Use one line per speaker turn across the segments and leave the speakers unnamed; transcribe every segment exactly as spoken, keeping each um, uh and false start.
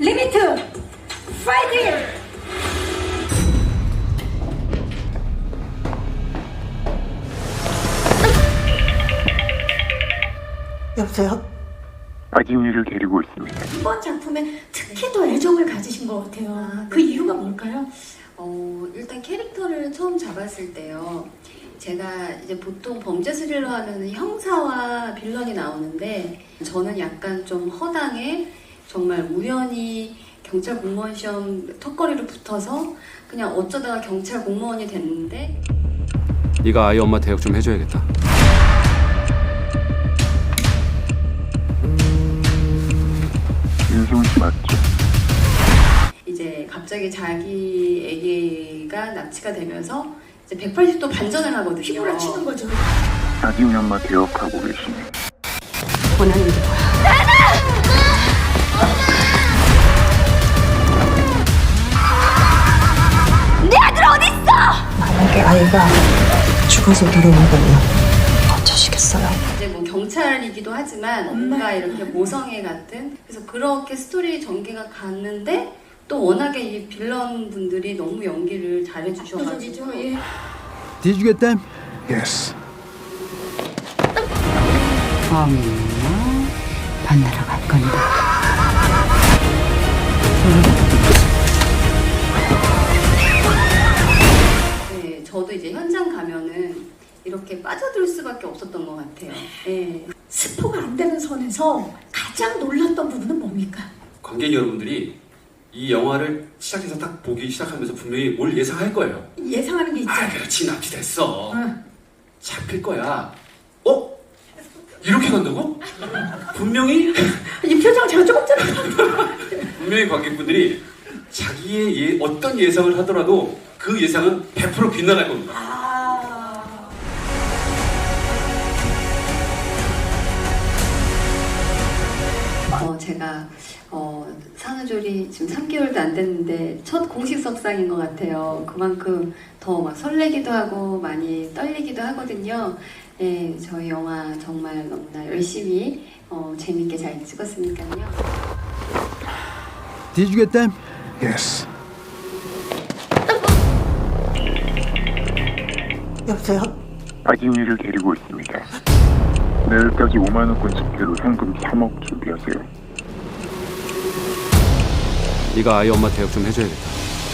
리미트 파이팅!
여보세요?
아지훈이를 데리고 있습니다.
이번 작품에 특히 더 애정을 가지신 것 같아요.
아,
그 이유가 뭘까요?
어, 일단 캐릭터를 처음 잡았을 때요. 제가 이제 보통 범죄 스릴러 하면 형사와 빌런이 나오는데 저는 약간 좀 허당에 정말 우연히 경찰 공무원 시험 턱걸이로 붙어서 그냥 어쩌다가 경찰 공무원이 됐는데
네가 아이 엄마 대역 좀 해줘야겠다.
윤승훈 씨 맞죠?
이제 갑자기 자기 애기가 납치가 되면서 이제 백팔십 도 반전을 하거든요.
휘몰아치는 거죠.
아지훈이 엄마 개업하고 계시네.
원하는 게 뭐야?
만약에 아이가 죽어서 돌아온다면 어쩌시겠어요?
이제 뭐 경찰이기도 하지만 뭔가 이렇게 모성애 같은 그래서 그렇게 스토리 전개가 갔는데 또 워낙에 이 빌런 분들이 너무 연기를 잘해주셔가지고
그죠, 예.
Did you get them?
Yes.
어머나 만나러 갈 건데.
네, 저도 이제 현장 가면은 이렇게 빠져들 수밖에 없었던 것 같아요. 네.
스포가 안 되는 선에서 가장 놀랐던 부분은 뭡니까?
관객 여러분들이 이 영화를 시작해서 딱 보기 시작하면서 분명히 뭘 예상할 거예요.
예상하는 게 있죠.
아, 그렇지, 납치됐어.
응.
잡힐 거야. 어? 이렇게 간다고? 분명히,
이 표정 제가 조금 전에
분명히 관객분들이 자기의 예, 어떤 예상을 하더라도 그 예상은 백 퍼센트 빗나갈 겁니다.
아...
어, 제가 어, 산후조리 지금 삼 개월도 안 됐는데 첫 공식 석상인 것 같아요. 그만큼 더 막 설레기도 하고 많이 떨리기도 하거든요. 네, 저희 영화 정말 너무나 열심히 어, 재밌게 잘 찍었으니까요.
Did you get them?
Yes.
여보세요?
아지훈이를 데리고 있습니다. 내일까지 오만 원권 집계로 현금 삼억 준비하세요.
네가 아이 엄마 대역 좀 해줘야겠다.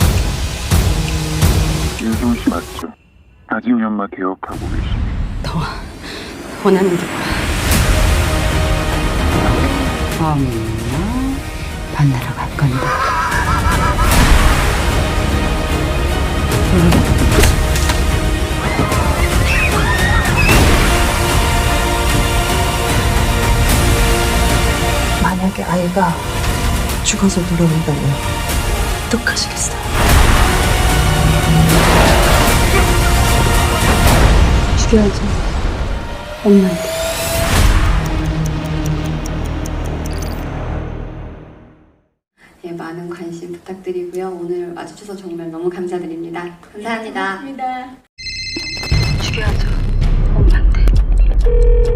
윤승훈 씨 맞죠? 아지훈이 엄마 개업하고 계시네.
더 원하는 게 뭐야? 어머나 만나러 갈 건데.
만약에 아이가 죽어서 돌아온다면 어떡하시겠어요?
죽여야죠. 엄마한테.
네, 많은 관심 부탁드리고요. 오늘 와주셔서 정말 너무 감사드립니다. 감사합니다.
고맙습니다.
죽여야죠. 엄마한테.